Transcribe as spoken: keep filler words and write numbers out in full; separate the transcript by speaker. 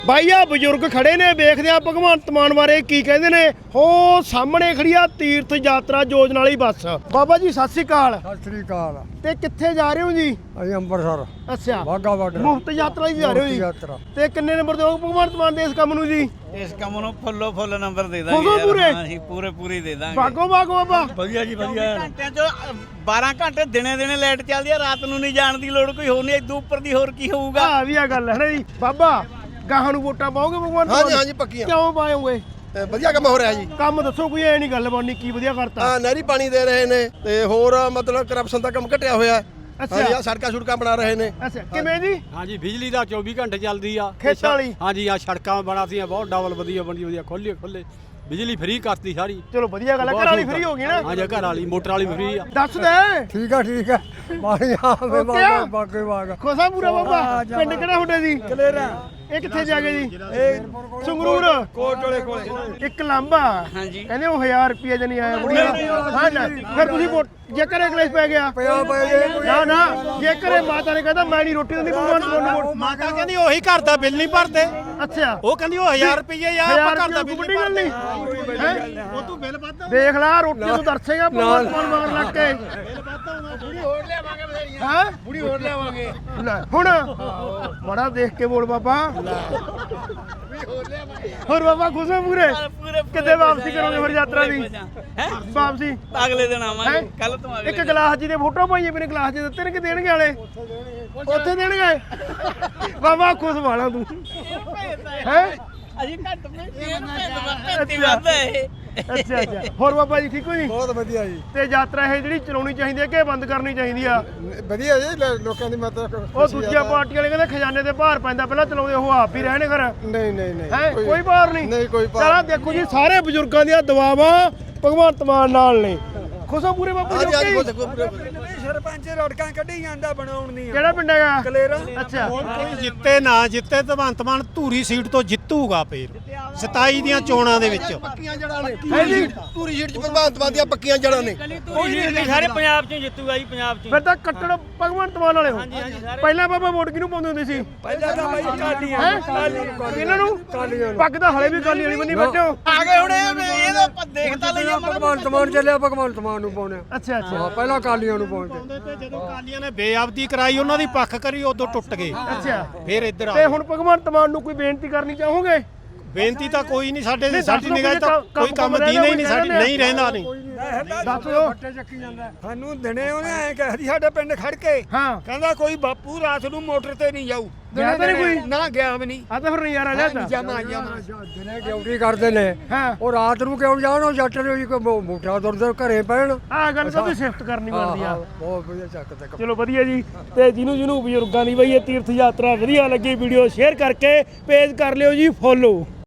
Speaker 1: ਬਾਈ ਆ ਬਜ਼ੁਰਗ ਖੜੇ ਨੇ, ਵੇਖਦੇ ਆ ਭਗਵੰਤ ਮਾਨ ਬਾਰੇ ਕੀ ਕਹਿੰਦੇ ਨੇ। ਹੋ ਸਾਹਮਣੇ ਖੜੀ ਆ ਤੀਰਥ ਯਾਤਰਾ ਯੋਜਨਾ ਵਾਲੀ ਬੱਸ। ਬਾਬਾ ਜੀ ਸਤਿ ਸ੍ਰੀ ਅਕਾਲ।
Speaker 2: ਸਤਿ ਸ੍ਰੀ ਅਕਾਲ।
Speaker 1: ਤੇ ਕਿੱਥੇ ਜਾ ਰਹੇ ਹੋ ਜੀ?
Speaker 2: ਅਸੀਂ ਅੰਮ੍ਰਿਤਸਰ
Speaker 1: ਅੱਛਾ,
Speaker 2: ਵਾਹਗਾ ਬਾਰਡਰ
Speaker 1: ਮੁਫਤ ਯਾਤਰਾ ਹੀ ਜਾ ਰਹੇ ਹੋ ਜੀ।
Speaker 2: ਯਾਤਰਾ
Speaker 1: ਤੇ ਕਿੰਨੇ ਨੰਬਰ ਦਿਓ ਭਗਵੰਤ ਮਾਨ ਦੇ ਇਸ ਕੰਮ ਨੂੰ ਜੀ?
Speaker 3: ਇਸ ਕੰਮ ਨੂੰ ਫੁੱਲੋ ਫੁੱਲ ਨੰਬਰ ਦੇ ਦਾਂਗੇ
Speaker 1: ਫੁੱਲੋ ਪੂਰੇ?
Speaker 3: ਹਾਂ ਅਸੀਂ ਪੂਰੇ ਪੂਰੇ ਦੇ ਦਾਂਗੇ।
Speaker 1: ਬਾਗੋ ਬਾਗੋ ਬਾਬਾ
Speaker 2: ਵਧੀਆ ਜੀ ਵਧੀਆ।
Speaker 3: ਘੰਟਿਆਂ ਚੋਂ ਬਾਰਾਂ ਘੰਟੇ ਦਿਨੇ ਦਿਨੇ ਲਾਈਟ ਚੱਲਦੀ ਆ, ਰਾਤ ਨੂੰ ਨਹੀਂ ਜਾਣ ਦੀ ਲੋੜ ਕੋਈ ਹੋਰ ਨਹੀਂ। ਇਦੋਂ ਉੱਪਰ ਦੀ ਹੋਰ ਕੀ ਹੋਊਗਾ?
Speaker 1: ਆ ਵੀ ਆ ਗੱਲ ਹੈ ਨਾ ਜੀ। ਬਾਬਾ ਗਾਹਾਂ ਨੂੰ ਵੋਟਾਂ ਪਾਓਗੇ ਭਗਵੰਤ ਮਾਨ?
Speaker 4: ਹਾਂਜੀ ਹਾਂਜੀ ਪੱਕੀਆਂ।
Speaker 1: ਕਿਉਂ ਪਾਓਗੇ?
Speaker 4: ਤੇ ਵਧੀਆ ਕੰਮ ਹੋ ਰਿਹਾ ਜੀ।
Speaker 1: ਕੰਮ ਦੱਸੋ ਕੋਈ, ਐ ਨਹੀਂ ਗੱਲ ਬਣਨੀ। ਕੀ ਵਧੀਆ ਕਰਤਾ?
Speaker 4: ਆ ਨਹਿਰੀ ਪਾਣੀ ਦੇ ਰਹੇ ਨੇ ਤੇ ਹੋਰ ਮਤਲਬ ਕਰਪਸ਼ਨ ਦਾ ਕੰਮ ਘਟਿਆ ਹੋਇਆ।
Speaker 1: ਅੱਛਾ।
Speaker 4: ਹਾਂਜੀ ਆ ਸੜਕਾਂ ਸੁੜਕਾਂ ਬਣਾ ਰਹੇ ਨੇ।
Speaker 1: ਅੱਛਾ, ਕਿਵੇਂ ਜੀ?
Speaker 5: ਹਾਂਜੀ ਬਿਜਲੀ ਦਾ ਚੌਵੀ ਘੰਟੇ ਚੱਲਦੀ ਆ।
Speaker 1: ਖੇਤਾਂ ਵਾਲੀ?
Speaker 5: ਹਾਂਜੀ ਆ ਸੜਕਾਂ ਬਣਾਤੀਆਂ ਬਹੁਤ ਡਬਲ ਵਧੀਆ ਬਣੀ ਵਧੀਆ ਖੋਲੀ ਖੋਲੇ ਬਿਜਲੀ ਫ੍ਰੀ ਕਰਤੀ ਸਾਰੀ।
Speaker 1: ਚਲੋ ਵਧੀਆ ਗੱਲ ਹੈ। ਘਰ ਵਾਲੀ ਫ੍ਰੀ ਹੋ ਗਈ ਨਾ?
Speaker 5: ਹਾਂਜੀ ਘਰ ਵਾਲੀ ਮੋਟਰ ਵਾਲੀ ਫ੍ਰੀ ਆ।
Speaker 1: ਦੱਸ ਦੇ।
Speaker 2: ਠੀਕ ਆ ਠੀਕ ਆ। ਮਾਰੀ ਆਵੇ ਬਾਗਾ ਬਾਗੇ ਬਾਗਾ
Speaker 1: ਖੋਸਾ ਪੂਰਾ ਬਾਬਾ। ਪਿੰਡ ਕਿਹੜਾ ਤੁਹਾਡਾ ਜੀ?
Speaker 2: ਕਲੇਰਾ।
Speaker 1: ਇਹ ਕਿੱਥੇ ਜਾ ਕੇ ਜੀ?
Speaker 2: ਇਹ
Speaker 1: ਸੰਗਰੂਰ
Speaker 2: ਕੋਟਲੇ ਕੋਲੇ।
Speaker 1: ਇੱਕ ਲਾਂਬਾ
Speaker 3: ਹਾਂਜੀ।
Speaker 1: ਕਹਿੰਦੇ ਉਹ ਹਜ਼ਾਰ ਰੁਪਏ ਜਣੀ ਆਇਆ ਬੁੜੀਆ। ਹਾਂ ਨਾ, ਫਿਰ ਤੁਸੀਂ ਵੋਟ ਜੇ ਘਰੇ ਕਲੇਸ਼ ਪੈ ਗਿਆ?
Speaker 2: ਪਿਆ ਪਏ
Speaker 1: ਨਾ ਨਾ, ਜੇ ਘਰੇ ਮਾਤਾ ਨੇ ਕਹਿੰਦਾ ਮੈਂ ਨਹੀਂ ਰੋਟੀ ਦਿੰਦੀ ਭਗਵਾਨ ਨੂੰ ਵੋਟ।
Speaker 5: ਮਾਤਾ ਕਹਿੰਦੀ ਉਹੀ ਘਰ ਦਾ ਬਿੱਲ ਨਹੀਂ ਭਰਦੇ।
Speaker 1: ਅੱਛਾ,
Speaker 5: ਉਹ ਕਹਿੰਦੀ ਉਹ ਹਜ਼ਾਰ ਰੁਪਏ ਆ ਆਪਾਂ ਘਰ ਦਾ ਬਿੱਲ
Speaker 1: ਵੱਡੀ
Speaker 5: ਨਹੀਂ
Speaker 1: ਗੱਲ
Speaker 5: ਭਰਦੇ।
Speaker 1: ਨਹੀਂ ਹੈ। ਉਹ ਤੂੰ ਬਿੱਲ ਵੱਧ ਦੇਖ ਲੈ, ਰੋਟੀ ਨੂੰ ਦਰਸੇਗਾ ਭਗਵਾਨ ਮਾਨ ਮਗਰ ਲੱਗ ਕੇ। ਹਾਂ ਬੁੜੀ ਹੋਰ ਲਿਆਵਾਂਗੇ। ਲੈ ਹੁਣ ਬੜਾ ਦੇਖ ਕੇ ਬੋਲ ਬਾਬਾ। ਹੋਰ ਬਾਬਾ ਖੁਸ਼ ਹੋ ਪੂਰੇ? ਕਿੱਦੇ ਵਾਪਸੀ ਕਰੋਗੇ ਫਿਰ ਯਾਤਰਾ ਦੀ?
Speaker 3: ਹੈ
Speaker 1: ਵਾਪਸੀ
Speaker 3: ਅਗਲੇ ਦਿਨ ਆਵਾਂਗੇ।
Speaker 1: ਹੈਂ?
Speaker 3: ਕੱਲ ਤੋਂ ਅਗਲੇ
Speaker 1: ਇੱਕ ਗਲਾਸ ਜੀ ਦੇ ਫੋਟੋ ਪਾਈਏ ਮੇਰੇ ਗਲਾਸ ਜੀ ਦਿੱਤੇ ਨੇ ਕਿ ਦੇਣਗੇ ਵਾਲੇ? ਉੱਥੇ ਦੇਣਗੇ। ਬਾਬਾ ਖੁਸ਼ ਵਾਲਾ ਤੂੰ ਹੈ।
Speaker 3: ਅਸੀਂ ਘੱਟ ਭੇਤੀ ਵੱਧ ਹੈ ਇਹ।
Speaker 1: ਅੱਛਾ ਅੱਛਾ। ਹੋਰ ਬਾਬਾ ਜੀ ਠੀਕ ਹੋ ਜੀ?
Speaker 2: ਬਹੁਤ ਵਧੀਆ ਜੀ।
Speaker 1: ਤੇ ਯਾਤਰਾ ਇਹ ਜਿਹੜੀ ਚਲਾਉਣੀ ਚਾਹੀਦੀ ਹੈ ਕਿ ਬੰਦ ਕਰਨੀ ਚਾਹੀਦੀ ਆ?
Speaker 2: ਵਧੀਆ ਜੀ ਲੋਕਾਂ ਦੀ ਮਦਦ।
Speaker 1: ਉਹ ਦੂਜੀਆਂ ਪਾਰਟੀਆਂ ਵਾਲੇ ਕਹਿੰਦੇ ਖਜ਼ਾਨੇ ਤੇ ਭਾਰ ਪੈਂਦਾ, ਪਹਿਲਾਂ ਚਲਾਉਂਦੇ ਉਹ ਆਪ ਹੀ ਰਹਿਣੇ ਘਰ।
Speaker 2: ਨਹੀਂ ਨਹੀਂ ਨਹੀਂ
Speaker 1: ਹੈ ਕੋਈ ਭਾਰ ਨਹੀਂ?
Speaker 2: ਨਹੀਂ ਕੋਈ ਭਾਰ।
Speaker 1: ਚਲਾ ਦੇਖੋ ਜੀ, ਸਾਰੇ ਬਜ਼ੁਰਗਾਂ ਦੀਆਂ ਦੁਆਵਾਂ ਭਗਵੰਤ ਮਾਨ ਨਾਲ ਨੇ। ਖੁਸ਼ੋ ਪੂਰੇ ਬਾਬੂ ਜੀ?
Speaker 4: ਹਾਂਜੀ ਹਾਂਜੀ
Speaker 1: okay?
Speaker 4: ਖੁਸ਼ ਪੂਰੇ।
Speaker 2: ਸਰਪੰਚ ਰੋੜਕਾਂ ਕੱਢੀ ਜਾਂਦਾ ਬਣਾਉਣ ਦੀਆਂ।
Speaker 1: ਕਿਹੜਾ ਪਿੰਡ ਹੈਗਾ?
Speaker 2: ਕਲੇਰਾ।
Speaker 1: ਅੱਛਾ,
Speaker 5: ਕੋਈ ਜਿੱਤੇ ਨਾ ਜਿੱਤੇ ਭਗਵੰਤ ਮਾਨ ਧੂਰੀ ਸੀਟ ਤੋਂ ਜਿੱਤੂਗਾ ਫੇਰ ਸਤਾਈ ਦੀਆਂ ਚੋਣਾਂ ਦੇ ਵਿੱਚ।
Speaker 4: ਪੱਕੀਆਂ ਜੜਾਂ ਨੇ।
Speaker 1: ਹੈ ਜੀ।
Speaker 4: ਪੂਰੀ ਸ਼ੀਟ ਚ ਭਗਵੰਤ ਮਾਨ ਦੀਆਂ ਪੱਕੀਆਂ ਜੜਾਂ ਨੇ।
Speaker 3: ਸਾਰੇ ਪੰਜਾਬ ਚੋਂ ਜਿੱਤੂਗਾ ਜੀ, ਪੰਜਾਬ ਚੋਂ।
Speaker 1: ਫਿਰ ਤਾਂ ਕੱਟੜ ਭਗਵੰਤ ਮਾਨ ਵਾਲੇ ਹੋ। ਪਹਿਲਾਂ ਬਾਬਾ ਵੋਟ ਕਿਹਨੂੰ ਪਾਉਂਦੇ ਹੁੰਦੇ ਸੀ?
Speaker 2: ਪਹਿਲਾਂ ਤਾਂ ਬਾਈ ਕਾਲੀਆਂ
Speaker 1: ਹੈਂ?
Speaker 2: ਕਾਲੀਆਂ
Speaker 1: ਇਹਨਾਂ ਨੂੰ?
Speaker 2: ਕਾਲੀਆਂ ਨੂੰ।
Speaker 1: ਪੱਗ ਤਾਂ ਹਲੇ ਵੀ ਕਾਲੀ ਵਾਲੀ ਬੰਨੀ ਬੈਠੇ ਹੋ।
Speaker 3: ਆ ਗਏ ਹੁਣ ਇਹ ਇਹਦਾ ਆਪਾਂ ਦੇਖ ਤਾਂ ਲਈਏ।
Speaker 2: ਭਗਵੰਤ ਮਾਨ ਚੱਲਿਆ ਭਗਵੰਤ ਮਾਨ ਨੂੰ ਪਾਉਣੇ।
Speaker 1: ਅੱਛਾ ਅੱਛਾ
Speaker 2: ਹਾਂ ਪਹਿਲਾਂ ਕਾਲੀਆਂ ਨੂੰ ਪਾਉਂਦੇ।
Speaker 5: ਤੇ ਜਦੋਂ ਕਾਲੀਆਂ ਨੇ ਬੇਅਬਦੀ ਕਰਾਈ ਉਹਨਾਂ ਦੀ ਪੱਖ ਕਰੀ ਉਦੋਂ ਟੁੱਟ ਗਏ।
Speaker 1: ਅੱਛਾ।
Speaker 5: ਫੇਰ ਇੱਧਰ ਆ
Speaker 1: ਤੇ ਹੁਣ ਭਗਵੰਤ ਮਾਨ ਨੂੰ ਕੋਈ ਬੇਨਤੀ ਕਰਨੀ ਚਾਹੋਗੇ?
Speaker 5: ਬੇਨਤੀ ਤਾਂ ਕੋਈ ਨਹੀਂ ਸਾਡੇ
Speaker 1: ਨਹੀਂ,
Speaker 5: ਸਾਡੀ
Speaker 1: ਦੱਸ
Speaker 5: ਨਿਗਾਹ 'ਚ ਤਾਂ
Speaker 1: ਦਿਓ
Speaker 5: ਕੋਈ ਕੰਮ ਦੀਨਾ ਹੀ ਨਹੀਂ ਸਾਡੀ ਨਹੀਂ ਰਹਿੰਦਾ ਨਹੀਂ।
Speaker 1: ਦੱਸ ਦਿਓ।
Speaker 2: ਸਾਨੂੰ ਦਿਨੇ ਉਹਨੇ ਐ ਕਹਿਦੀ ਸਾਡੇ ਪਿੰਡ ਖੜ ਕੇ
Speaker 1: ਹਾਂ,
Speaker 2: ਕਹਿੰਦਾ ਕੋਈ ਬਾਪੂ ਰਾਤ ਨੂੰ ਮੋਟਰ ਤੇ ਨਹੀਂ ਜਾਊ।
Speaker 1: ਗਿਆ ਤਾਂ ਨਹੀਂ ਕੋਈ?
Speaker 2: ਨਾ ਗਿਆ ਵੀ ਨਹੀਂ।
Speaker 1: ਆ ਤਾਂ ਫਿਰ ਨਜ਼ਾਰਾ ਲਿਆ ਤਾ।
Speaker 2: ਜਮਾ ਜਮਾ ਦਿਨੇ ਡਿਊਟੀ ਕਰਦੇ ਨੇ।
Speaker 1: ਹਾਂ,
Speaker 2: ਉਹ ਰਾਤ ਨੂੰ ਕਿਉਂ ਜਾਣ? ਉਹ ਜੱਟ ਨੇ ਕੋਈ ਮੋਟਾ ਦੁਰਦ ਘਰੇ ਪੈਣ।
Speaker 1: ਆ ਗੱਲ ਤਾਂ ਵੀ ਸ਼ਿਫਟ ਕਰਨੀ ਬਣਦੀ ਆ।
Speaker 2: ਬਹੁਤ ਵਧੀਆ ਚੱਕ ਤੇ
Speaker 1: ਚਲੋ ਵਧੀਆ ਜੀ। ਤੇ ਜਿਹਨੂੰ ਜਿਹਨੂੰ ਬਜ਼ੁਰਗਾਂ ਦੀ ਬਈ ਇਹ ਤੀਰਥ ਯਾਤਰਾ ਵਧੀਆ ਲੱਗੀ, ਵੀਡੀਓ ਸ਼ੇਅਰ ਕਰਕੇ ਪੇਜ ਕਰ ਲਿਓ ਜੀ ਫੋਲੋ।